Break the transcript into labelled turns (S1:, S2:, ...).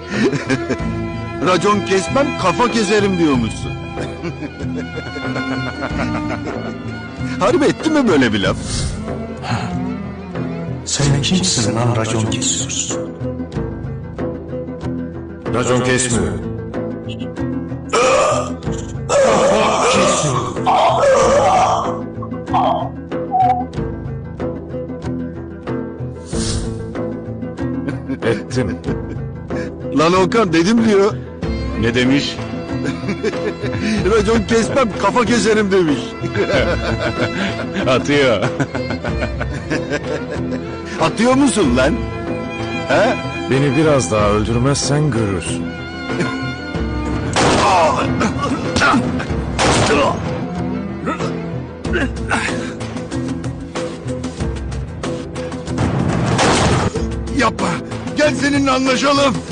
S1: Racon kesmem, kafa keserim diyormuşsun. Harbi etti mi böyle bir laf?
S2: Sen kimsin lan racon kesiyorsun?
S3: Racon kesmiyor. Ettim.
S1: Lan Okan dedim diyor.
S3: Ne demiş?
S1: Racon kesmem, kafa keserim demiş.
S3: Atıyor.
S1: Atıyor musun lan? He?
S3: Beni biraz daha öldürmezsen görürsün.
S1: Yapma. Gel seninle anlaşalım.